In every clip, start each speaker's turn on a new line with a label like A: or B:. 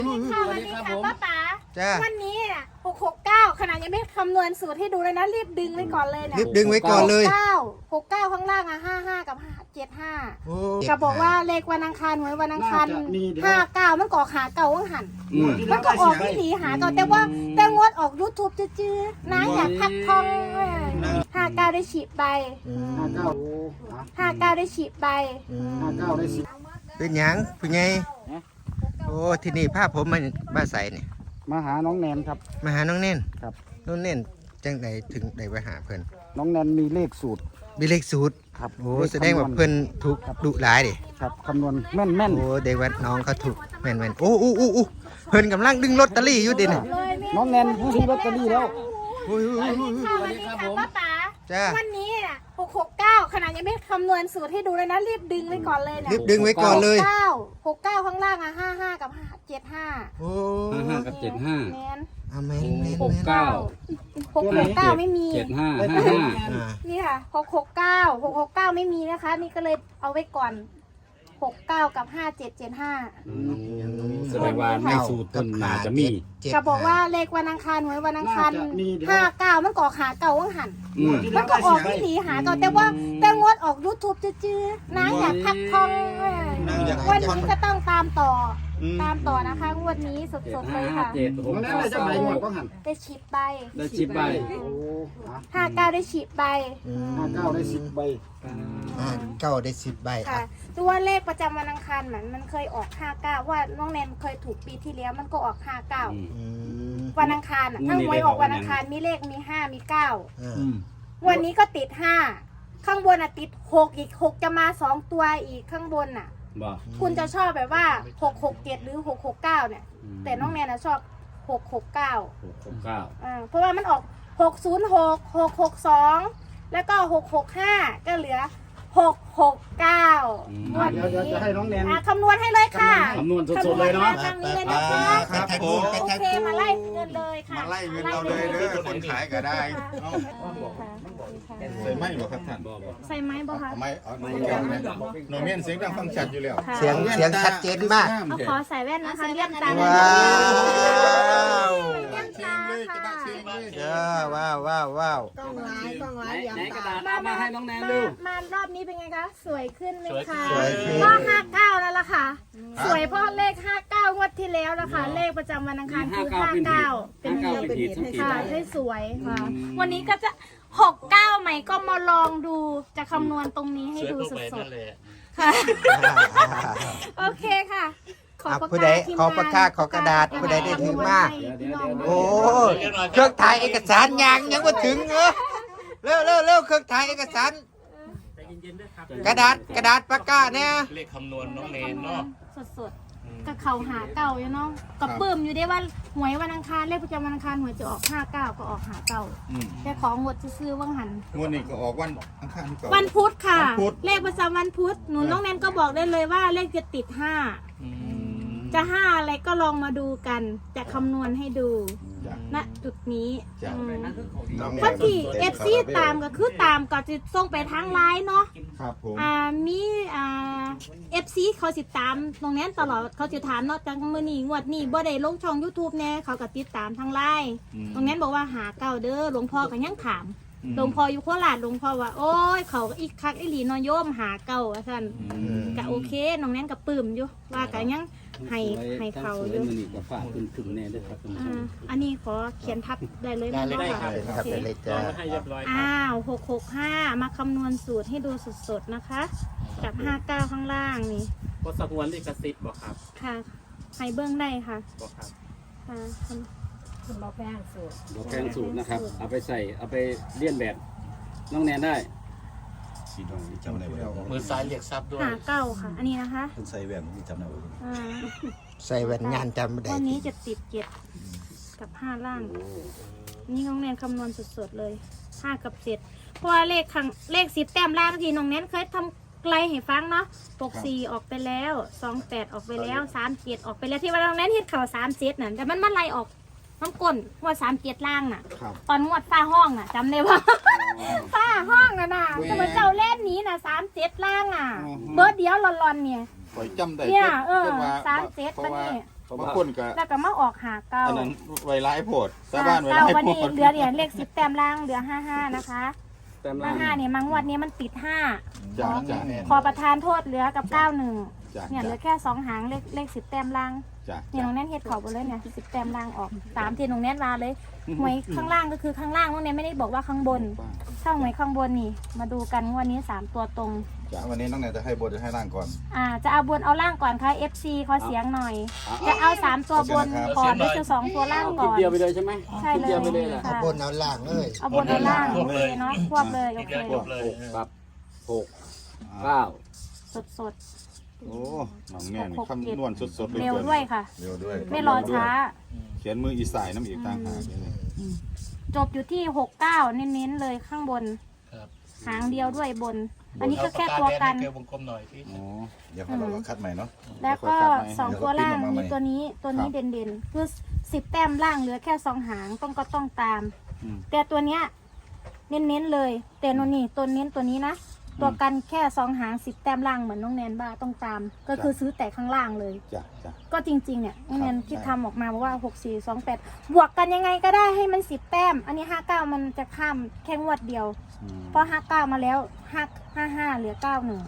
A: ค่ะวันนี้ค่ะป้าป๋า
B: จ้า
A: วันนี้น่ะ669ขนาดยังไม่คำนวณสูตรให้ดูเลยนะรีบดึงไว้ก่อนเลยนะ
B: รีบดึงไว้ก่อนเลย
A: 69ข้างล่างอ่ะ55กับ75
B: โอ้
A: ก็บอกว่าเลขวันอังคารหวยวันอังคาร59มันก็ออกหาเก่าว่างหันมันก็ออกที่หนีหาเก่าแต่งดออก YouTube จื้อๆนะอยากพักทอง59ได้ฉีดใบ 59ได้ฉีดใบ
C: 59ได้10
B: เป็นหยังเป็นไงโอ้ที่นี่ภาพผมมันบ้าใสเนี่ย
C: มาหาน้องแนนครับ
B: มาหาน้องเน่น
C: ครับ
B: น้องเน่นจังไหนถึงได้ไปหาเพิ่น
C: น้องแนนมีเลขสูตร
B: มีเลขสูตร
C: ครับ
B: โอ้แสดงว่าเพิ่นถูกดุหลายดิ
C: ครับคำนวณแม่นแม่น
B: โอ้เด็กวัดน้องเขาถูกแม่นๆโอ้เพิ่นกำลังดึงลอตเตอรี่อยู่ดิเนี่ย
C: น้องแนนผู้ซื้อลอตเตอรี่แล้ว
B: โอ้ย
A: ค่ะวันนี้ค่ะป้าป๋า
B: จ้า
A: วันนี้น่ะ669ขนาดยังไม่คำนวณสูตรให้ดูเลยนะรีบดึงไว้ก่อนเลยนะ
B: รีบดึงไว้ก่อนเลย
A: 69ข้างล่างอ่ะ55กับ75
B: โอ้
D: 55กับ75
A: แมน
B: อาแม่นแม่น
D: หก
B: แม่น
D: เก้า
A: 669ไม่มี
D: 75
B: อ่า
A: นี่ค่ะ669ไม่มีนะคะ นี่ก็เลยเอาไว้ก่อน69กับ5775
D: แสดงว่าในสูตรต้นน่าจะมี
A: ก็บอกว่าเลขวันอังคารหวยวันอังคาร59มันก็ออกหาเก่าว่างหัน มันก็ออกที่หนีหาเก่าแต่งดออก YouTube จื้อๆนะอยากพักทองวันนี้ก็ต้องตามต่อนะคะงวดนี้สดๆเลยค่ะ
C: น้องแนนได้จังไหนหมดก็หัน
A: ได้ฉีดใบ
D: ได้10ใบ
C: โอ้
A: 59ได้ฉีดใบ
C: 59ได้10ใบ
B: เก้าได้10 ใบ
A: ค่ะตัวเลขประจำวันอังคารมันเคยออก59ว่าน้องแนนเคยถูกปีที่แล้วมันก็ออก59
B: อืม
A: วันอังคารถ้าหวยออกวันอังคารมีเลขมี5มี9
B: อ่า
A: วันนี้ก็ติด5ข้างบนติด6อีก6จะมา2ตัวอีกข้างบน
D: บ่
A: คุณจะชอบแบบว่า667หรือ669เนี่ยแต่น้องแนนชอบ669
D: 669
A: เพราะว่ามันออก606 662แล้วก็665ก็เหลือ669งวด
C: เดี๋ยว
A: นี้
C: จะให้น้องแนน
A: คำนวณให้เลยค่ะ
D: คำนวณสดๆเลยเนาะ
A: คำนวณทางนี้เลยนะคะ
B: ครับผม
A: โอเคมาไล่เงินเลยค่ะ
E: มาไล่เงินเราเลยเด้อคนขายก็ได้เอาใส่ไม้บ่ครับท่าน
A: ใส่ไม้บ่คะ
E: เอาไม้เอาไม้แก้วนะโนเมียนเสียงดังฟังชัดอยู่แล้ว
A: ค่ะ
B: เสียงชัดเจนมาก
A: เอาขอใส่แว่นนะคะเลี่ยมตา
B: ว้าว
A: เลี่ยม
E: เสีย
A: ตาง
E: เลยจะ
A: ค่ะ
E: บ้าเสียงเลย
B: จ้าว้าว
F: ต้องร้ายอย่าง
D: ไหนกระ
F: ตา
D: ดาษเอามาให้น้องแนนดู
A: มารอบนี้เป็นไงคะสวยขึ้นไหมคะ
B: สวยขึ้น
A: ก็59นั่นแหละค่ะ สวยเพราะเลข59งวดที่แล้วแล้วค่ะเลขประจำวันอังคารคือ59เป็นเหตุค่ะให้สวยค่ะ วันนี้ก็จะ69ใหม่ก็มาลองดูจะคำนวณตรงนี้ให้ดูสดๆค่ะ โอเคค่ะ ขอ
B: อ่ะ
A: ปาก
B: ผู้ใด
A: กาทีม
B: ขอปากกาขอกระดาษผู้ใดได้ถือมาโอ้เครื่องถ่ายเอกสารยังมาถึงเร็วเครื่องถ่ายเอกสารกระดาษปากกาเนี่ย
G: เลขคำนวณน้องเนนเนาะ
A: สดๆกับเขาหาเก่าอยู่เนาะกับปื้มอยู่ได้ว่าหวยวันอังคารเลขประจำวันอังคารหวยจะออก59ก็ออกหาเก่าแต่ของงดจะซื้อว่างหัน
E: งวดนี้ก็ออกวันอังคารก่อน
A: วันพุธค่ะ
E: วันพุธ
A: เลขประจำวันพุธหนูน้องแนนก็บอกได้เลยว่าเลขจะติด5จะ5อะไรก็ลองมาดูกันจะคำนวณให้ดูณจุดนี้
E: จ้ะ
A: คนที่ FC ตามก็คือตามก็จะส่งไปทางไลน์เนาะ
E: ครับผม
A: มีFC เขาสิตามตรงนี้ตลอดเขาจะถามเนาะจังมื้อนี้งวดนี้บ่ได้ลงช่อง YouTube แน่เขาก็ติดตามทางไลน์ตรงนั้นบอกว่าหาเก่าเด้อหลวงพ่อก็ยังถามหลวงพ่ออยู่โคราชหลวงพ่อว่าโอ้ยเขาอีกคักอีหลีนอโยมหาเก่าว่าซั่นก็โอเคน้องแนนก็ปลื้มอยู่ว่าก็ยังให้เขาอยู่
D: มื้อนี้ก็ฝากคุณถึงแน่ด้วยครับท่านผู้ชม
A: อันนี้ขอเขียนทับได้เลยไหม
G: ได้
A: คะ
B: ครับไปเลยจ้า
G: ให้เรียบร้อย
A: 665มาคำนวณสูตรให้ดูสดๆนะคะกับ59ข้างล่างนี่
G: ก็สกวนลิขสิทธิ์บอกครับ
A: ค่ะให้เบื้องได้ค่ะ
G: บอกครับ
A: ค่ะ
F: คุณบอกแป้งสูตร
D: ดอกแกงสูตรนะครับ เอาไปใส่ เอาไปเลียนแบบน้องแนนได้
G: มือซ้ายเรียกทรัพย์ด้วย
A: หาเก้าค่ะ อันนี้นะคะ
H: ใส่แหวนมีจำได้ไหม
A: อ่า
B: ใส่แว่นงานจำไม่ได้
A: วันนี้จะติด7กับ5ล่าง นี่น้องแนนคำนวณสดๆเลย5กับ7เพราะว่าเลข10แต้มล่างที่น้องแนนเคยทำไกลให้ฟังเนาะ64ออกไปแล้ว28ออกไปแล้ว37ออกไปแล้วที่ว่าน้องแนนเฮ็ดเข่า37น่ะแต่มันไล่ออกน้ำก้นงวด37ล่างน่ะ ตอนงวดฟ้าห้องน่ะจำได้ว่า ฟ้าห้องน่ะแต่ว่าเจ้าเล่นนี้น่ะ37ล่างอ่ะเบิร์ดเดียวหลอนๆเนี่ย
E: ข่อยจำได้
A: เนี่ย
E: แต่ว่า
A: 37
E: เพ
A: ปะ
E: ราะว่า
A: นี่
E: บางคนก็
A: แล้วก็มาออกหาเก้า
E: อันนั้นไวร้ายโพดสาบ้านไว
A: เก้า
E: ร้าย
A: วัน
E: โพ
A: นี้
E: ด
A: เหลือเนี่ยเลข10แต้มล่างเหลือ55นะคะ
D: แต้มล่าง
A: 55เนี่ยมังวดนี้มันติด5
E: จ้าจ้า
A: ขอประทานโทษเหลือกับ91
E: จ้า
A: เนี่ยเหลือแค่2หางเลข10แต้มล่าง
E: จ้า
A: เนี่ยน้องแน่นเฮ็ดเขาไปเลยเนี่ย10แต้มล่างออกตามที่น้องแน่นมาเลยหวยข้างล่างก็คือข้างล่างน้องแน่นไม่ได้บอกว่าข้างบนถ้าหวยข้างบนนี่มาดูกันงวันนี้3ตัวตรง
E: จ้าวันนี้น้องแนนจะให้บทให้ร่างก่อน
A: จะเอาบนเอาล่างก่อนค่ะ FC ขอเสียงหน่อย จะเอา3ตัวบนก่อนหรือจะ2ตัวล่าง
D: คลิ
A: ก่
D: ป
A: อน
D: เดียวไปเลยใช่ไหม
A: ใช่
D: คลิป
A: เลย
D: เดียวไปเลยแหละ
A: ค่ะ
B: บนเอาล่างเลย
A: เอาบนเอาล่างโอเคเนาะควบเลยโอเค
G: จบเลย
D: ครับ6 9
A: สด
E: โอ้น้องแนนคำนวณสดๆ
A: ๆเร็วด้วยค่ะ
E: เร็วด้วย
A: ไม่รอช้า
E: เขียนมืออีสายน้ำอีกต่างหากเลย
A: จบอยู่ที่69เน้นๆเลยข้างบน
G: ครับ
A: หางเดียวด้วยบน อันนี้ก็แค่ตัวกัน
G: เกลียววงกลมหน่อยพี่
E: อ๋อเดี๋ยวเราคัดใหม่เนาะ
A: แล้วก็2ตัวล่างมีตัวนี้
E: ครับ
A: เด่นๆคือ10แต้มล่างเหลือแค่2หางก็ต้องตาม
E: อืม
A: แต่ตัวเนี้ยเน้นๆเลย แต่โนนี่ตัวเน้นตัวนี้นะตัวกันแค่2หาง10แต้มล่างเหมือนน้องแนนบ้าต้องตาม ก็คือซื้อแต่ข้างล่างเลย
E: จ้าจ้า
A: ก็จริงๆเนี่ยน้องแนน
E: ครับ
A: ที่ทำออกมาบอกว่า6428บวกกันยังไงก็ได้ให้มัน10แต้ม อันนี้59มันจะข้ามแค่งวดเดียว
E: อืม
A: พอ59มาแล้ว55เหลือ91
E: อืม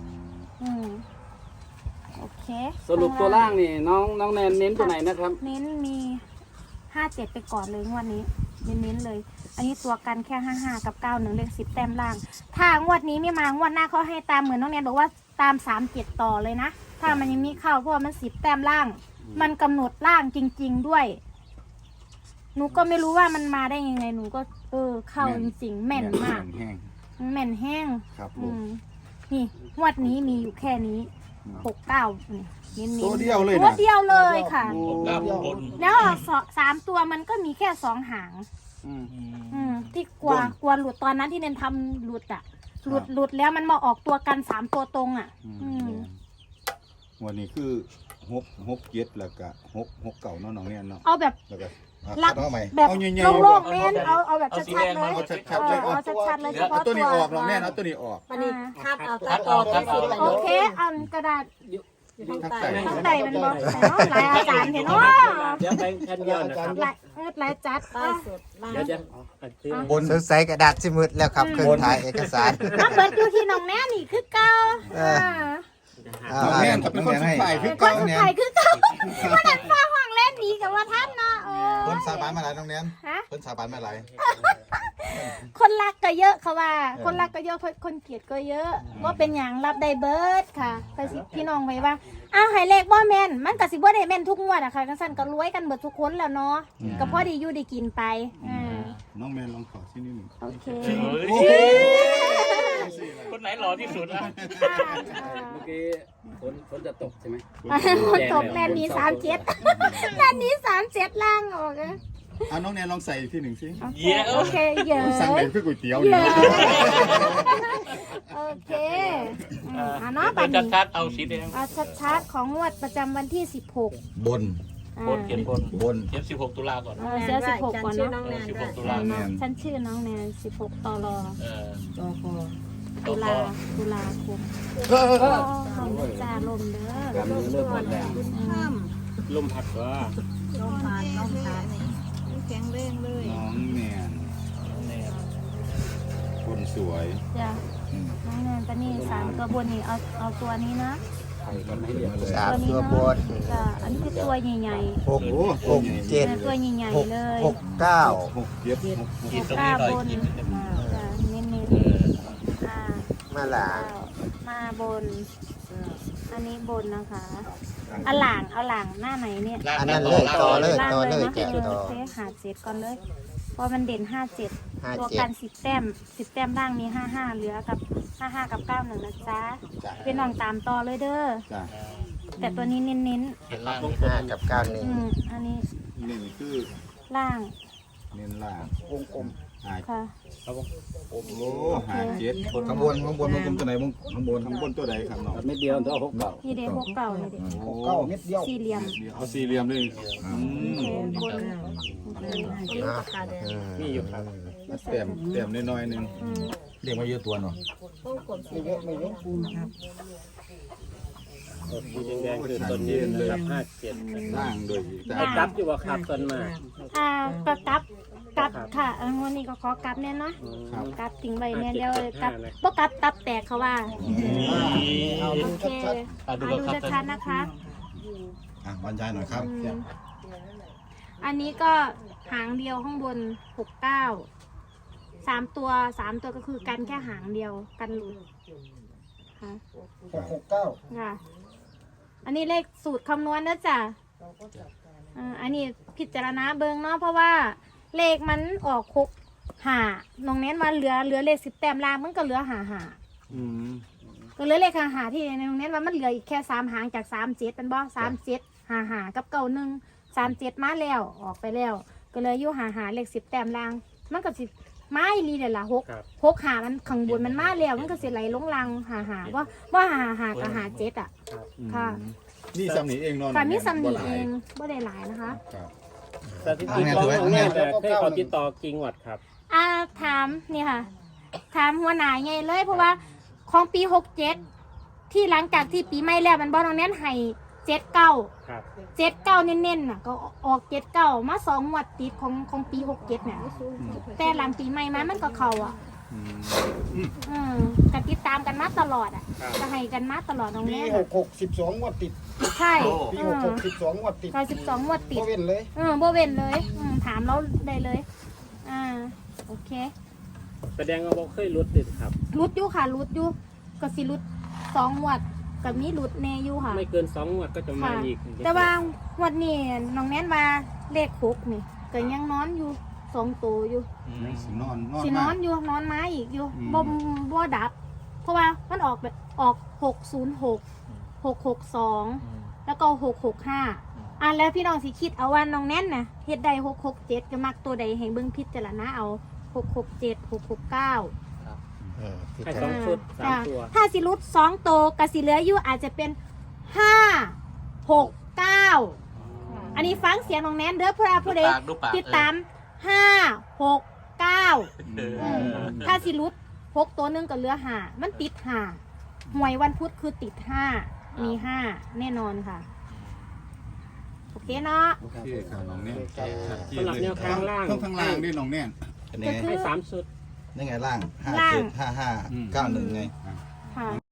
A: โอเค
D: สรุปตัวล่างนี่น้องแนนเน้นตัวไหนนะครับ
A: เน้นมี57ไปก่อนเลยงวดนี้เน้นๆเลย อันนี้ตัวกันแค่55กับ91เลข10แต้มล่าง ถ้างวดนี้ไม่มางวดหน้าเขาให้ตามเหมือนน้องแนนบอกว่าตาม37ต่อเลยนะ ถ้ามันยังมีเข้าเพราะว่ามัน10แต้มล่าง มันกำหนดล่างจริง ๆด้วย หนูก็ไม่รู้ว่ามันมาได้ยังไงหนูก็เข้าจริงๆแม่นมาก
E: แห้ง
A: แม่นแห้ง
E: ครับผ
A: อื
E: ม
A: มนี่งวดนี้มีอยู่แค่นี้69นี่เน้นๆ
E: ตัวเดียวเลยนะ
A: ตัวเดียวเลยค่ะ
G: ด้านบน
A: แล้วออก3ตัวมันก็มีแค่2หาง ที่กลัวหลุดตอนนั้นที่เน้นทำหลุดอ่ะ หลุดแล้วมันมาออกตัวกัน3ตัวตรงอ่ะ
E: วันนี้คือหกเจ็ดแล้วก็หกเก่าเนาะน้องเนี่ยเนาะ
A: เอาแบบ
E: แล้วก็
A: ลัก
E: เอาใหม่
A: แบบ
E: เอาใหญ่ๆ
A: โล่งๆเน้นเอาแบบชัดๆเลย
E: เอาชัดๆเลย
A: เอาชัดๆเลยเฉ
E: เอา
A: พาะ
E: ตัว
A: ตั
E: นี้
A: ว
E: ออกน้องเนี่ยเอาตัวนี้ออก
F: วันนี้คัดเอาตัดออกได้สิบประโย
A: โอ
F: ค
A: เคเอากระดาษ
F: อยู่ทางใต้
A: ข้างใต้มันบอกแต่เนาะหลายอาจารย์เห็นเนาะ
G: เดี๋ยวไปแค่เดียวนะครับ
A: หลายจัด
F: ใต้สุดล่าง
G: เดี๋ยวจะซื้อบ
B: นสงสัยกระดาษสิมืดแล้วครับเครื่องถ่ายเอกสาร
A: มาเบิดอยู่ที่น้องแม่นี่คือเก่า
E: น้องเนี่ยเป็นคนสุดท้ายคือ
A: ค
E: เก่าน
A: สุด
E: เนี่ย
A: ท้ายคือเก่าวันนั้นฟ้าห้องเล่นหนีกับว่าท่านเนาะ
E: เพิ่นสาบานมาหลายน้องเนี่ย
A: ฮะ
E: เพิ่นสาบานมาหลาย
A: คนรักก็เยอะค่ะว่า คนรักก็เยอะคนเกลียดก็เยอะว่าเป็นอย่างรับได้เบิร์ดค่ะไปสิพี่น้องไว้ว่าอ้าวให้เลขบ่แม่นมันก็สิบ่ได้แม่นทุกงวดอะค่ะกันสั่นก็รวยกันเบิดทุกคนแล้วเนาะก็พอดีอยู่ได้กินไป
E: น้องแมนลองขอที่นี่หนึ่ง
A: โอเค
G: คนไหนหล่อที่สุดอ่ะ
D: เมื่อกี้ฝนจะตกใช่ไหม
A: คนตกแม่นนี้37แม่นนี้37ล่างออกอะ
E: เอาน้องแนนลองใส่ที่หนึ่งสิ
A: โอเคเยอะ
E: สั่งเป็นคือก๋วยเตี๋ยว
A: เย
E: นี่
A: อะโอเคเนาะบัด
G: เป็น
A: นี้
G: ชัดๆเอาสีแดง
A: เอาชัดๆของงวดประจำวันที่16
E: บน
G: บนเขียนบน
E: บน
G: เขียน16 ตุลาก่อน
A: เสีย16ก่อน
F: ชื่อ
A: เนาะ
F: น้องแนนด้วย
G: 16 ตุลา
E: แนน
A: ฉันชื่อน้องแนน16ตล
G: เออ
F: ตัวคอ
A: ตุลาคมจ่าลมเด้
D: กำมือเริ่มหมดแล้ว
F: ข้าม
G: ลมพัดว่า
F: ลมผ่านลมผ่านแข็งแรงเลย
E: น้องแนนคนสวย
A: จ้ะน้องแนนตอนนี้3ตัวบนนี่เอาตัวนี้นะ
D: ใครก็ไม่เรียก
B: สามตัวบน
A: จ้ะอันนี้คือตัวใหญ่
B: หกเจ็ด
A: ตัวใหญ่
B: หก
A: ๆเลย
B: หกเก้า
E: หกเจ็ดหก
G: กินตรงนี้หน่อยกิน
A: จ้ะเน้น
G: เออ
A: ๆ
B: มาหลาง
A: มาบน อันนี้บนนะคะเอาหลังหน้าไหนเนี่ย
B: อันนั้นเลยต่อเลย
A: ล่าง
B: ต่อ
A: เล
B: เลย ย
A: นะ
B: แกะต่อ
A: โอเคหา7ก่อนเลยเพราะมันเด่น57ตัวกัน10แต้ม10แต้มล่างมี55เหลือกับ55กับ91นะจ๊ะเป็นน้องตามต่อเลยเด้อ
E: จ้ะ
A: แต่ตัวนี้เน้น
G: เห็นล่าง
B: ห้ากับเก้าหนึ่ง
A: อันนี้
E: นี่คือ
A: ล่าง
E: เน้นล่างวงกลมหา
A: ค่ะ
E: โอ้หาเจ็ดข้างบนวงกลมตัวไหนวงข้างบนตัวใดครับน้อง
D: ไม่เดียวตัว6 เก่า
A: นี่เด็กเก่านี่เด็ก
C: เก้าเม็ดเดียว
A: สี่เหลี่ยม
E: เอาสี่เหลี่ยมเลย
A: โอเคบน
F: นี่ปากกาแดง
G: นี่อยู่ครับ
E: เต็มน้อยๆนึง
C: เรียกมาเยอะตัวเนาะ
F: วงกลมสีแดง
C: ไม่ยกปูนครับ
G: สีแดงๆคือต้นยืนนะครับ57
E: ล่างโดยแต่
G: ไอ้กลับอยู่ว่าครับต้นมา
A: ก็กลับค่ะวันนี้ก็ขอกลับแน่เนาะกลับทิ้งไว้แน่เดียวกลับบ่กลับตับแตกเขาว่า
C: เอาดู
A: โอเค
C: ชัด
A: ดูชัดๆนะคะ
E: บรรยายหน่อยครับ
A: อันนี้ก็หางเดียวข้างบน69 3 ตัวก็คือกันแค่หางเดียวกันหลุดค่ะ
C: ๆ669
A: ค่ะ อันนี้เลขสูตรคำนวณนะจ๊ะอันนี้พิจารณาเบิงเนาะเพราะว่าเลขมันออก6 5น้องเน้นว่าเหลือเลข10 แต้มล่างมันก็เหลือก็เหลือเลขหาที่น้องเน้นว่ามันเหลืออีกแค่3 หางจาก37เป็นบ่37 5กับ91 37มาแล้วออกไปแล้วก็เลยอยู่หาเลข10 แต้มล่างมันก็สิไม้ลีเดี๋ยวละ6 หามันข้างบนมันมาแล้วมันก็สิไหลลงลังหาว่าหากับหา7อ่ะค่ะ
E: นี่สำนีเองนอน
A: ค่ะมีสำนีเองบ่ได้หลายนะคะ
G: สถิติของน้องแน่แต่เคยเขาติดต่อกิ่งวัดครับ
A: ถามนี่ค่ะถามหัวหน้าไงเลยเพราะว่าของปี67ที่หลังจากที่ปีใหม่แล้วมันบ่น้องเน้นให้79
G: ครับ
A: 79เน้นๆน่ะก็ออก79มา2 งวดติดของปี67เนี่ยแต่หลังปีใหม่มามันก็เข้าอ่ะก็ติดตามกันมาตลอดอ่ะจะให้กันมาตลอดน้อง
C: ปี
A: แน่
C: 66 12งวดติด
A: ใช่
C: ปี66 12งวดติด
A: ก็12 งวดติด
C: บ่เว้นเลย
A: บ่เว้นเลยถามเราได้เลยโอเค
G: แสดงว่าบ่เคยรุดติดครับ
A: รุดอยู่ค่ะรุดอยู่ก็สิรุด2 งวดกับนี้รุดแน่อยู่ค่ะ
G: ไม่เกิน2 งวดก็จะมา
A: ค่ะ
G: อีก
A: แต่ว่างวดนี้น้องแน่นว่าเลข6นี่ก็ยังนอนอยู่2 ตัวอยู่
E: สินอน
A: สินอนอยู่นอนไม้อีกอยู่บ่ดับ เพราะว่ามันออก606 662แล้วก็665แล้วพี่น้องสิคิดเอาว่าน้องแน่นน่ะเฮ็ดได้667ก็มักตัวใดให้เบิ่งพิจารณาเอา667 669
G: ให้2 ชุด 3 ตัว
A: ถ้าสิรุด2 โตวกสิเหลืออยู่อาจจะเป็น5 6 9อันนี้ฟังเสียงน้องแนนเด้อเพื่อผู้ใดติดตาม5 6 9ถ้าสิรุด6 ตัวหนึงก็เหลือ5มันติด5หวยวันพุธคือติด5มี5แน่นอนค่ะโอเคเนาะ
E: โอเคครับน้องเนี่ย
G: สำหรับแนวทางล่าง
E: ข้างล่างนี่น้องเนี่ย
A: ก็คือ
G: ให้3 ชุด
E: นี่ไงล่าง
A: ล่าง
E: 575591ไง
A: ค่ะ